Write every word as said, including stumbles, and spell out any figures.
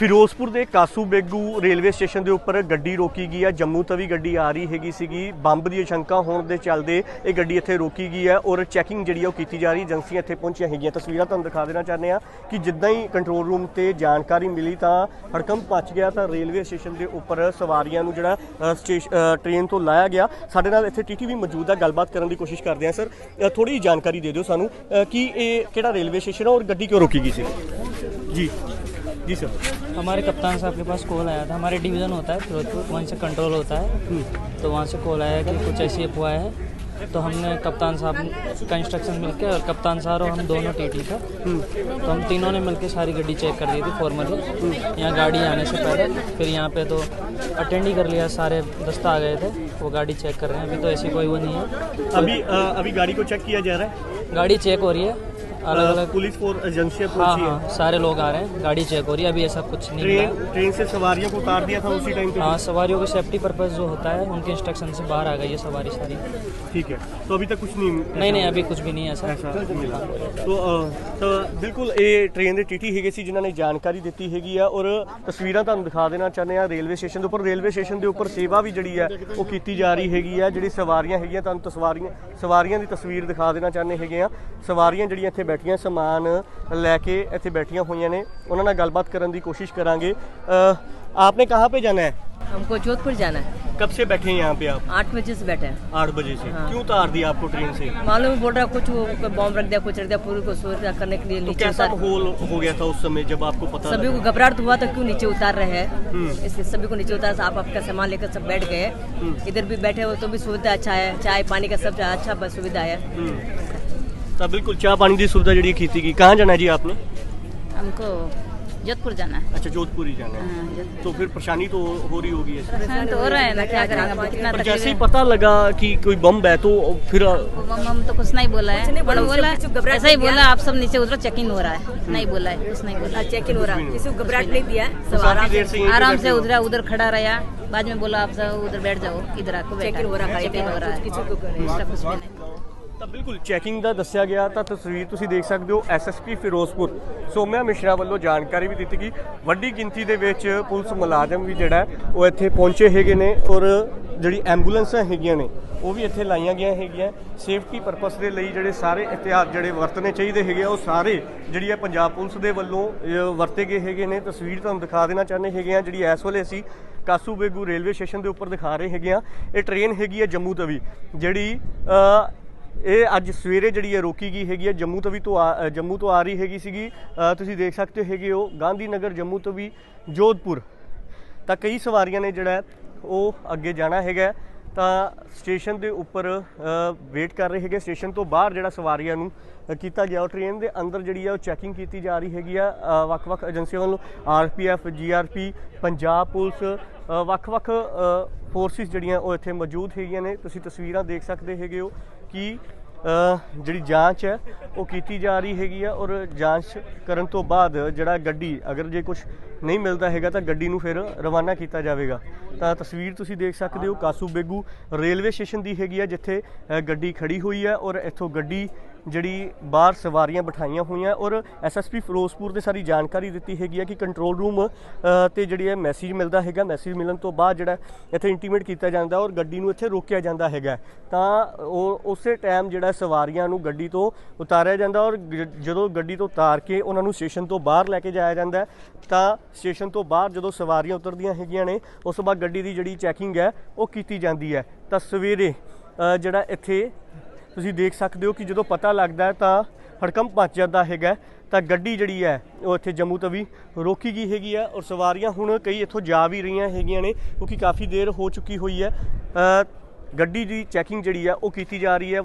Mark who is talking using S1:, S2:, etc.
S1: ਫਿਰੋਜ਼ਪੁਰ ਦੇ ਕਾਸੂ Begu railway station ਦੇ ਉੱਪਰ ਗੱਡੀ ਰੋਕੀ ਗਈ ਹੈ। ਜੰਮੂ ਤੋਂ ਵੀ ਗੱਡੀ ਆ ਰਹੀ ਹੈਗੀ ਸੀਗੀ। ਬੰਬ ਦੀ ਸ਼ੰਕਾ ਹੋਣ ਦੇ ਚੱਲਦੇ ਇਹ ਗੱਡੀ ਇੱਥੇ ਰੋਕੀ ਗਈ ਹੈ ਔਰ ਚੈਕਿੰਗ ਜਿਹੜੀ ਉਹ ਕੀਤੀ ਜਾ ਰਹੀ। ਏਜੰਸੀਆਂ ਇੱਥੇ ਪਹੁੰਚੀਆਂ ਹੈਗੀਆਂ। ਤਸਵੀਰਾਂ ਤੁਹਾਨੂੰ ਦਿਖਾ ਦੇਣਾ ਚਾਹੁੰਦੇ ਹਾਂ ਕਿ ਜਿੱਦਾਂ ਹੀ ਕੰਟਰੋਲ ਰੂਮ ਤੇ ਜਾਣਕਾਰੀ ਮਿਲੀ ਤਾਂ ਹੜਕੰਪ ਮੱਚ ਗਿਆ ਤਾਂ ਰੇਲਵੇ ਸਟੇਸ਼ਨ ਦੇ ਉੱਪਰ ਸਵਾਰੀਆਂ ਨੂੰ ਜਿਹੜਾ ਸਟੇਸ਼ਨ ਟ੍ਰੇਨ ਤੋਂ ਲਾਇਆ ਗਿਆ। ਸਾਡੇ ਨਾਲ ਇੱਥੇ ਟੀਟੀ ਵੀ ਮੌਜੂਦ ਹੈ, ਗੱਲਬਾਤ ਕਰਨ ਦੀ ਕੋਸ਼ਿਸ਼ ਕਰਦੇ ਹਾਂ। ਸਰ ਥੋੜੀ ਜਿਹੀ ਜਾਣਕਾਰੀ ਦੇ ਦਿਓ ਸਾਨੂੰ ਕਿ ਇਹ ਕਿਹੜਾ ਰੇਲਵੇ ਸਟੇਸ਼ਨ ਹੈ ਔਰ ਗੱਡੀ ਕਿਉਂ ਰੋਕੀ ਗਈ ਸੀ ਜੀ। जी सर,
S2: हमारे कप्तान साहब के पास कॉल आया था। हमारे डिवीज़न होता है फिरोजपुर, वहीं से कंट्रोल होता है, तो वहाँ से कॉल आया कि कुछ ऐसी अफवाह है। तो हमने कप्तान साहब का इंस्ट्रक्शन मिलके और कप्तान साहब और हम दोनों टीटी था, तो हम तीनों ने मिलके सारी गाड़ी चेक कर दी थी फॉर्मली। यहाँ गाड़ी आने से पहले फिर यहाँ पे तो अटेंड ही कर लिया, सारे दस्ता आ गए थे, वो गाड़ी चेक कर रहे हैं। अभी तो ऐसी कोई वो नहीं है।
S1: तो अभी आ, अभी गाड़ी को चेक किया जा रहा है,
S2: गाड़ी चेक हो रही है। अलग अलग
S1: पुलिस फोर्स एजेंसियाँ
S2: हाँ
S1: पहुंची
S2: हाँ
S1: है।
S2: सारे लोग आ रहे हैं, गाड़ी चेक हो रही है। अभी ऐसा कुछ नहीं
S1: ट्रेन
S2: हुआ है।
S1: ट्रेन से सवारियों को उतार दिया था उसी टाइम पे।
S2: हाँ, सवारियों के सेफ्टी पर्पस जो होता है उनके इंस्ट्रक्शन से बाहर आ गई है सवारी सारी।
S1: ठीक है, तो अभी तक कुछ नहीं
S2: नहीं नहीं अभी कुछ भी नहीं है ऐसा
S1: ऐसा मिला। तो तो बिल्कुल ये ट्रेन ਦੇ ਟੀਟੀ ਹੈਗੇ ਸੀ ਜਿਨ੍ਹਾਂ ਨੇ ਜਾਣਕਾਰੀ ਦਿੱਤੀ ਹੈਗੀ ਆ ਔਰ ਤਸਵੀਰਾਂ ਤੁਹਾਨੂੰ ਦਿਖਾ ਦੇਣਾ ਚਾਹੁੰਦੇ ਆ ਰੇਲਵੇ ਸਟੇਸ਼ਨ ਦੇ ਉੱਪਰ। ਰੇਲਵੇ ਸਟੇਸ਼ਨ ਦੇ ਉੱਪਰ ਸੇਵਾ ਵੀ ਜਿਹੜੀ ਹੈ ਉਹ ਕੀਤੀ ਜਾ ਰਹੀ ਹੈਗੀ ਆ। ਜਿਹੜੀ ਸਵਾਰੀਆਂ ਹੈਗੀਆਂ ਤੁਹਾਨੂੰ ਤਸਵਾਰੀਆਂ ਸਵਾਰੀਆਂ ਦੀ ਤਸਵੀਰ ਦਿਖਾ ਦੇਣਾ ਚਾਹੁੰਦੇ ਹੈਗੇ ਆ। ਸਵਾਰੀਆਂ ਜਿਹੜੀਆਂ ਇੱਥੇ ਬੈਠੀਆਂ ਸਮਾਨ ਲੈ ਕੇ ਇੱਥੇ ਬੈਠੀਆਂ ਹੋਈਆਂ ਨੇ, ਉਹਨਾਂ ਨਾਲ ਗੱਲਬਾत ਕਰਨ ਦੀ ਕੋशिश करांगे। आपने कहाँ पे जाना है?
S3: हमको जोधपुर जाना है।
S1: कब से बैठे हैं यहाँ पे आप?
S3: आठ बजे से बैठे हैं।
S1: आठ बजे से।
S3: हाँ।
S1: क्यों उतार दिया आपको ट्रेन से?
S3: मालूम बोल रहा कुछ वो बॉम्ब रख दिया, कुछ रख दिया, पूरी को सुरक्षा करने के लिए
S1: तो
S3: नीचे
S1: कैसा
S3: उतार।
S1: माहौल हो गया था उस समय जब आपको पता
S3: सभी
S1: लगा?
S3: को घबराहट हुआ तो क्यों नीचे उतार रहे हैं, इसलिए सभी को नीचे उतार। आप आपका सामान लेकर सब बैठ गए, इधर भी बैठे हो तो भी सुविधा अच्छा है, चाय पानी का सब अच्छा सुविधा है।
S1: तो बिल्कुल चाय पानी की सुविधा जी की थी। कहाँ जाना है जी आपने?
S4: हमको जोधपुर जाना है।
S1: अच्छा, जोधपुर ही जाना है।
S4: हाँ,
S1: तो फिर परेशानी तो हो रही होगी ऐसे।
S4: परेशान तो हो रहा है ना, क्या करेंगे, कितना
S1: पर जैसे ही
S4: तकलीफ
S1: पता लगा कि कोई बम है तो फिर
S4: है। हम तो कुछ नहीं बोला है,
S3: नहीं बोला,
S4: बोला
S3: उसने कुछ घबराहट
S4: ऐसा ही
S3: नहीं
S4: बोला आप सब नीचे उतरो, चेकिंग हो रहा है। नहीं बोला है, कुछ नहीं बोला।
S3: चेक इन हो रहा है, किसी को घबराहट नहीं दिया है, सब
S1: काफी
S3: आराम
S1: देर
S3: से
S1: से यहीं पे
S4: आराम
S1: बैठे
S4: से
S1: हो।
S4: उधर उधर खड़ा रहा। बाद में बोला आप सब उधर बैठ जाओ, इधर आको
S3: चेक इन हो रहा है,
S4: चेक इन हो रहा है,
S3: किसी को
S4: ऐसा कुछ भी नहीं।
S1: ਤਾਂ ਬਿਲਕੁਲ ਚੈਕਿੰਗ ਦਾ ਦੱਸਿਆ ਗਿਆ। ਤਾਂ ਤਸਵੀਰ ਤੁਸੀਂ ਦੇਖ ਸਕਦੇ ਹੋ। ਐਸਐਸਪੀ ਫਿਰੋਜ਼ਪੁਰ ਸੋਮਿਆ ਮਿਸ਼ਰਾ ਵੱਲੋਂ ਜਾਣਕਾਰੀ ਵੀ ਦਿੱਤੀ ਗਈ। ਵੱਡੀ ਗਿਣਤੀ ਦੇ ਵਿੱਚ ਪੁਲਿਸ ਮੁਲਾਜ਼ਮ ਵੀ ਜਿਹੜਾ ਉਹ ਇੱਥੇ ਪਹੁੰਚੇ ਹੈਗੇ ਨੇ ਔਰ ਜਿਹੜੀ ਐਂਬੂਲੈਂਸਾਂ ਹੈਗੀਆਂ ਨੇ ਉਹ ਵੀ ਇੱਥੇ ਲਾਈਆਂ ਗਈਆਂ ਹੈਗੀਆਂ ਸੇਫਟੀ ਪਰਪਸ ਦੇ ਲਈ। ਜਿਹੜੇ ਸਾਰੇ ਇhtiyat ਜਿਹੜੇ ਵਰਤਣੇ ਚਾਹੀਦੇ ਹੈਗੇ ਆ ਉਹ ਸਾਰੇ ਜਿਹੜੀ ਹੈ ਪੰਜਾਬ ਪੁਲਿਸ ਦੇ ਵੱਲੋਂ ਵਰਤੇ ਗਏ ਹੈਗੇ ਨੇ। ਤਸਵੀਰ ਤੁਹਾਨੂੰ ਦਿਖਾ ਦੇਣਾ ਚਾਹੁੰਦੇ ਹੈਗੇ ਆ ਜਿਹੜੀ ਇਸ ਵੇਲੇ ਅਸੀਂ ਕਾਸੂ ਬੇਗੂ ਰੇਲਵੇ ਸਟੇਸ਼ਨ ਦੇ ਉੱਪਰ ਦਿਖਾ ਰਹੇ ਹੈਗੇ ਆ। ਇਹ ਟ੍ਰੇਨ ਹੈਗੀ ਹੈ ਜੰਮੂ ਤਵੀ, ਜਿਹੜੀ ਇਹ ਅੱਜ ਸਵੇਰੇ ਜਿਹੜੀ ਹੈ ਰੋਕੀ ਗਈ ਹੈਗੀ ਹੈ। ਜੰਮੂ ਤਵੀ ਤੋਂ ਆ ਜੰਮੂ ਤੋਂ ਆ ਰਹੀ ਹੈਗੀ ਸੀਗੀ। ਤੁਸੀਂ ਦੇਖ ਸਕਦੇ ਹੈਗੇ ਹੋ ਗਾਂਧੀ ਨਗਰ ਜੰਮੂ ਤਵੀ ਜੋਧਪੁਰ ਤਾਂ ਕਈ ਸਵਾਰੀਆਂ ਨੇ ਜਿਹੜਾ ਉਹ ਅੱਗੇ ਜਾਣਾ ਹੈਗਾ। ਤਾਂ ਸਟੇਸ਼ਨ ਦੇ ਉੱਪਰ ਵੇਟ ਕਰ ਰਹੇ ਹੈਗੇ। ਸਟੇਸ਼ਨ ਤੋਂ ਬਾਹਰ ਜਿਹੜਾ ਸਵਾਰੀਆਂ ਨੂੰ ਕੀਤਾ ਗਿਆ, ਉਹ ਟ੍ਰੇਨ ਦੇ ਅੰਦਰ ਜਿਹੜੀ ਆ ਉਹ ਚੈਕਿੰਗ ਕੀਤੀ ਜਾ ਰਹੀ ਹੈਗੀ ਆ ਵੱਖ-ਵੱਖ ਏਜੰਸੀਆਂ ਵੱਲੋਂ। R P F, G R P, Punjab police, ਵੱਖ-ਵੱਖ ਫੋਰਸਿਸ ਜਿਹੜੀਆਂ ਉਹ ਇੱਥੇ ਮੌਜੂਦ ਹੈਗੀਆਂ ਨੇ। ਤੁਸੀਂ ਤਸਵੀਰਾਂ ਦੇਖ ਸਕਦੇ ਹੈਗੇ ਹੋ ਕਿ ਜਿਹੜੀ ਜਾਂਚ ਹੈ ਉਹ ਕੀਤੀ ਜਾ ਰਹੀ ਹੈਗੀ ਆ ਔਰ ਜਾਂਚ ਕਰਨ ਤੋਂ ਬਾਅਦ ਜਿਹੜਾ ਗੱਡੀ ਅਗਰ ਜੇ ਕੁਝ ਨਹੀਂ ਮਿਲਦਾ ਹੈਗਾ ਤਾਂ ਗੱਡੀ ਨੂੰ ਫਿਰ ਰਵਾਨਾ ਕੀਤਾ ਜਾਵੇਗਾ। ਤਾਂ ਤਸਵੀਰ ਤੁਸੀਂ ਦੇਖ ਸਕਦੇ ਹੋ ਕਾਸੂ ਬੇਗੂ ਰੇਲਵੇ ਸਟੇਸ਼ਨ ਦੀ ਹੈਗੀ ਆ ਜਿੱਥੇ ਗੱਡੀ ਖੜੀ ਹੋਈ ਹੈ ਔਰ ਇੱਥੋਂ ਗੱਡੀ ਜਿਹੜੀ ਬਾਹਰ ਸਵਾਰੀਆਂ ਬਿਠਾਈਆਂ ਹੋਈਆਂ ਔਰ ਐਸਐਸਪੀ ਫਿਰੋਜ਼ਪੁਰ ਦੇ ਸਾਰੀ ਜਾਣਕਾਰੀ ਦਿੱਤੀ ਹੈਗੀ ਆ ਕਿ ਕੰਟਰੋਲ ਰੂਮ ਤੇ ਜਿਹੜੀ ਹੈ ਮੈਸੇਜ ਮਿਲਦਾ ਹੈਗਾ। ਮੈਸੇਜ ਮਿਲਣ ਤੋਂ ਬਾਅਦ ਜਿਹੜਾ ਇੱਥੇ ਇੰਟੀਮੇਟ ਕੀਤਾ ਜਾਂਦਾ ਔਰ ਗੱਡੀ ਨੂੰ ਇੱਥੇ ਰੋਕਿਆ ਜਾਂਦਾ ਹੈਗਾ। ਤਾਂ ਉਹ ਉਸੇ ਟਾਈਮ ਜਿਹੜਾ ਸਵਾਰੀਆਂ ਨੂੰ ਗੱਡੀ ਤੋਂ ਉਤਾਰਿਆ ਜਾਂਦਾ ਔਰ ਜਦੋਂ ਗੱਡੀ ਤੋਂ ਉਤਾਰ ਕੇ ਉਹਨਾਂ ਨੂੰ ਸਟੇਸ਼ਨ ਤੋਂ ਬਾਹਰ ਲੈ ਕੇ ਜਾਇਆ ਜਾਂਦਾ। ਤਾਂ ਸਟੇਸ਼ਨ ਤੋਂ ਬਾਹਰ ਜਦੋਂ ਸਵਾਰੀਆਂ ਉਤਰਦੀਆਂ ਹੈਗੀਆਂ ਨੇ ਉਸ ਤੋਂ ਬਾਅਦ ਗੱਡੀ ਦੀ ਜਿਹੜੀ ਚੈਕਿੰਗ ਹੈ ਉਹ ਕੀਤੀ ਜਾਂਦੀ ਹੈ। ਤਾਂ ਸਵੇਰੇ ਜਿਹੜਾ ਇੱਥੇ ਤੁਸੀਂ ਦੇਖ ਸਕਦੇ ਹੋ ਕਿ ਜਦੋਂ ਪਤਾ ਲੱਗਦਾ ਹੈ ਤਾਂ ਹੜਕੰਪ ਮੱਚ ਜਾਂਦਾ ਹੈਗਾ। ਤਾਂ ਗੱਡੀ ਜਿਹੜੀ ਹੈ ਉਹ ਇੱਥੇ ਜੰਮੂ ਤਵੀ ਰੋਕੀ ਗਈ ਹੈਗੀ ਆ ਔਰ ਸਵਾਰੀਆਂ ਹੁਣ ਕਈ ਇੱਥੋਂ ਜਾ ਵੀ ਰਹੀਆਂ ਹੈਗੀਆਂ ਨੇ ਕਿਉਂਕਿ ਕਾਫੀ ਦੇਰ ਹੋ ਚੁੱਕੀ ਹੋਈ ਹੈ। ਗੱਡੀ ਦੀ ਚੈਕਿੰਗ ਜਿਹੜੀ ਆ ਉਹ ਕੀਤੀ ਜਾ ਰਹੀ ਹੈ।